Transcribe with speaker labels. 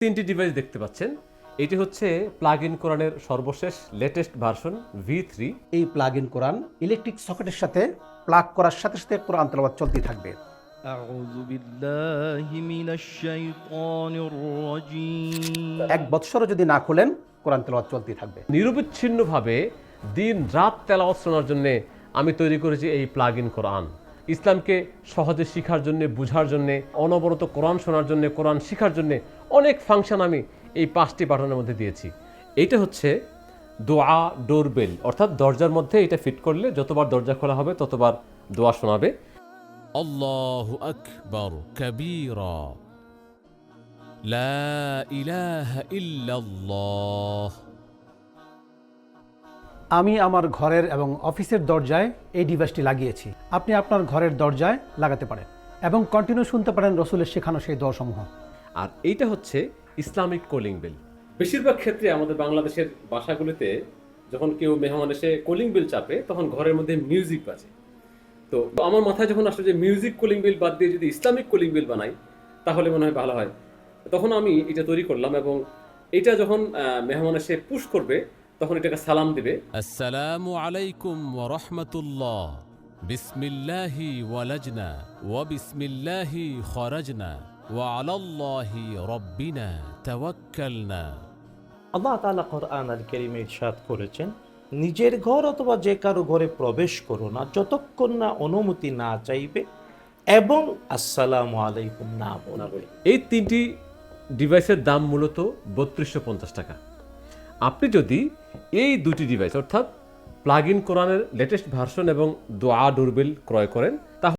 Speaker 1: তিনটি ডিভাইস দেখতে পাচ্ছেন। এটি হচ্ছে প্লাগ ইন কোরআনের সর্বশেষ লেটেস্ট ভার্সন V3।
Speaker 2: এই প্লাগ ইন কোরআন ইলেকট্রিক সকেটের সাথে প্লাগ করার সাথে সাথে কোরআন তেলাওয়াত চলতেই থাকবে।
Speaker 3: أعوذ بالله من الشيطان الرجيم
Speaker 2: 1 বৎসরও যদি না খোলেন কোরআন তেলাওয়াত চলতেই থাকবে।
Speaker 1: নিরবিচ্ছিন্নভাবে দিন রাত তেলাওয়াত শোনার জন্য আমি তৈরি করেছি এই প্লাগ ইন কোরআন। ইসলামকে সহজে শেখার জন্য, বুঝার জন্য, অনবরত কোরআন শোনার জন্য, কোরআন শেখার জন্য অনেক ফাংশন আমি এই 5টি বাটনের মধ্যে দিয়েছি। এইটা হচ্ছে দোয়া ডোরবেল, অর্থাৎ দরজার মধ্যে এটা ফিট করলে যতবার দরজা খোলা হবে ততবার দোয়া শোনাবে।
Speaker 4: আল্লাহু আকবার কাবীরা লা ইলাহা ইল্লাল্লাহ।
Speaker 2: আমি আমার ঘরের এবং অফিসের দরজায় এই ডিভাইসটি লাগিয়েছি। আপনি আপনার ঘরের দরজায় লাগাতে পারেন এবং কন্টিনিউ শুনতে পারেন রসুলের শেখানো সেই দোয়াসমূহ।
Speaker 1: আর এইটা হচ্ছে ইসলামিক কলিং বেল। বেশিরভাগ ক্ষেত্রে আমাদের বাংলাদেশের বাসাগুলিতে যখন কেউ মেহমান এসে কলিং বেল চাপে তখন ঘরের মধ্যে মিউজিক বাজে। তো আমার মাথায় যখন আসলে যে মিউজিক কলিং বেল বাদ দিয়ে যদি ইসলামিক কলিং বেল বানাই তাহলে মনে হয় ভালো হয়। তখন আমি এটা তৈরি করলাম এবং এটা যখন মেহমান এসে পুশ করবে তখন এটাকে সালাম দিবে।
Speaker 4: আসসালামু আলাইকুম ওয়া রাহমাতুল্লাহ। বিসমিল্লাহি ওয়ালাজনা ওয়া বিসমিল্লাহি খরাজনা ওয়া আলাল্লাহি রাব্বিনা তাওয়াক্কালনা।
Speaker 5: আল্লাহ তাআলা কোরআন আল কারীমে ইরশাদ করেছেন, নিজের ঘর অথবা যে কারো ঘরে প্রবেশ করো না যতক্ষণ না অনুমতি না চাইবে এবং আসসালামু আলাইকুম না বলবে।
Speaker 1: এই 3টি ডিভাইসের দাম মূলত 3250 টাকা। আপনি যদি এই 2টি ডিভাইস অর্থাৎ প্লাগ ইন কোরআনের লেটেস্ট ভার্সন এবং দোয়া ডোরবেল ক্রয় করেন তাহলে